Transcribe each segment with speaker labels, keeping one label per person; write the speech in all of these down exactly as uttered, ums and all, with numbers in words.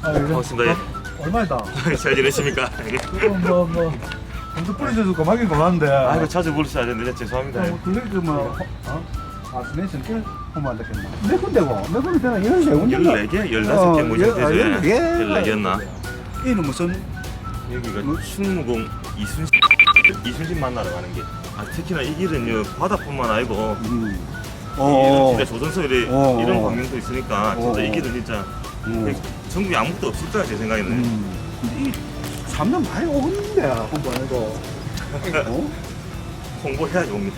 Speaker 1: 아, 예.
Speaker 2: 반갑습니다. 예.
Speaker 1: 얼마이다?
Speaker 2: 잘 지내십니까?
Speaker 1: 뭐, 뭐, 먼저 뿌리셔서 고맙긴 고맙는데.
Speaker 2: 아 이거 자주 부르셔야 되는데 죄송합니다.
Speaker 1: 뭐, 그게 그 뭐, 어? 아, 스네이션 길 보면 안 되겠나? 몇 군데고? 몇 군데 되나? 이런 세 군데.
Speaker 2: 열네 개? 열다섯 개 뭐죠?
Speaker 1: 아, 열네 개.
Speaker 2: 열네 개였나?
Speaker 1: 이는 무슨,
Speaker 2: 여기가 충무공 이순신 이순신 만나러 가는 길. 아 특히나 이 길은요 바다뿐만 아니고
Speaker 1: 음.
Speaker 2: 어, 진짜 조선소 이래,
Speaker 1: 어,
Speaker 2: 이런
Speaker 1: 어.
Speaker 2: 광경도 있으니까 진짜
Speaker 1: 어,
Speaker 2: 이 길은 진짜
Speaker 1: 음.
Speaker 2: 전국에 아무것도 없을 거야 제 생각에는.
Speaker 1: 음. 근데 이 삼 년 많이 오겠는데, 홍보 안 해도. 어?
Speaker 2: 홍보해야지 옵니다.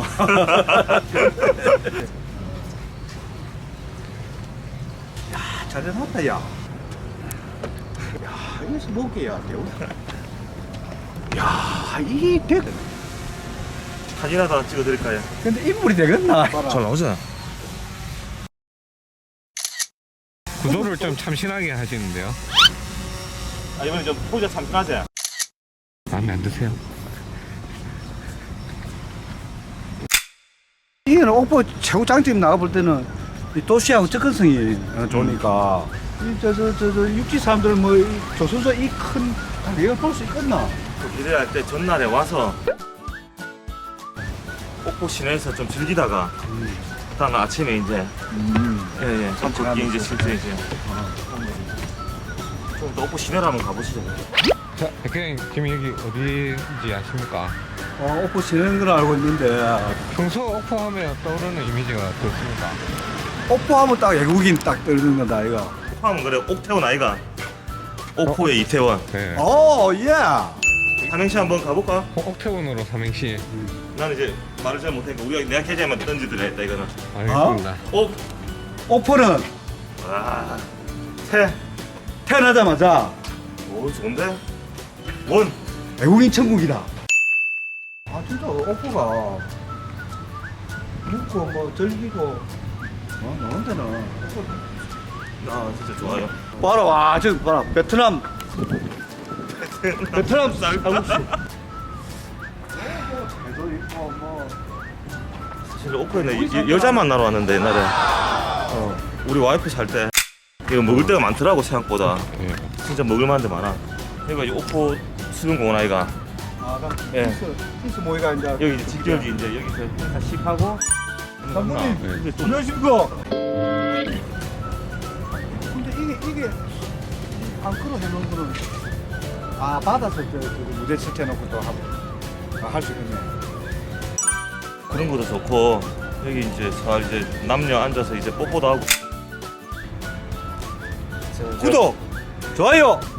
Speaker 1: 야, 잘 해놨다, 야. 야, 이것이 뭐게야, 대우. 야, 이 대.
Speaker 2: 사진 하나 찍어드릴까요?
Speaker 1: 근데 인물이 되겠나?
Speaker 2: 잘 나오죠?
Speaker 3: 구도를 좀 참신하게 하시는데요.
Speaker 2: 아 이번에 좀 포즈 참신하지?
Speaker 3: 마음에 안 드세요?
Speaker 1: 이게는 옥포 최고 장점 나가볼 때는 이 도시하고 접근성이 어, 좋으니까 이저저 저 저 육지 사람들 뭐 이 조선소 이 큰 가격을 볼 수 있겠나?
Speaker 2: 기대할 때 전날에 와서 옥포 시내에서 좀 즐기다가
Speaker 1: 음.
Speaker 2: 다음 아침에 이제
Speaker 1: 음.
Speaker 2: 예예 산책기 이제 실제 이제 좀 더 옥포 시내로 한번 가보시죠.
Speaker 3: 자, 백현님 지금 여기 어디인지 아십니까?
Speaker 1: 어, 옥포 지내는 걸 알고 있는데
Speaker 3: 평소 오포 하면 떠오르는 이미지가 그렇습니까?
Speaker 1: 옥포 하면 딱 외국인 딱 떠오르는 거다 이거.
Speaker 2: 옥포 하면 그래 옥태원 아이가 옥포의 이태원.
Speaker 3: 네.
Speaker 1: 오 예.
Speaker 2: 삼행시 한번 가볼까?
Speaker 3: 어, 옥태원으로 삼행시.
Speaker 2: 나는 이제 말을 잘 못하니까 우리가 내가 계좌에만 던지드려 했다 이거는.
Speaker 3: 알겠습니다.
Speaker 2: 옥.
Speaker 1: 옥포는
Speaker 2: 아. 태.
Speaker 1: 태어나자마자
Speaker 2: 오 좋은데? 원.
Speaker 1: 외국인 천국이다. 아 진짜 옥포가 묵고 뭐 즐기고 어 노는 데는
Speaker 2: 아 진짜 좋아요.
Speaker 1: 봐라 와 저기 봐라 베트남 베트남 쌀국수 배도 있고 뭐
Speaker 2: 사실 옥포에는 여- 여자 만나러 왔는데 옛날에 어, 우리 와이프 살 때 이거 먹을 데가 많더라고 생각보다.
Speaker 3: 네.
Speaker 2: 진짜 먹을 만한 데 많아. 여기가 이제 옥포 수변공원 아이가.
Speaker 1: 아, 그럼
Speaker 2: 예.
Speaker 1: 피스, 피스 모이가 이제
Speaker 2: 여기 이제 직결지 이제 여기서 행사 시하고
Speaker 1: 감독님
Speaker 3: 네.
Speaker 1: 안녕하십니까 근데 이게 이게 앙크로 해놓은 거는 아 받아서 저, 저 무대 설치해놓고 또 하고 아, 할 수 있겠네
Speaker 2: 그런 것도 좋고 여기 이제 잘 이제 남녀 앉아서 이제 뽀뽀도 하고.
Speaker 1: 구독 좋아요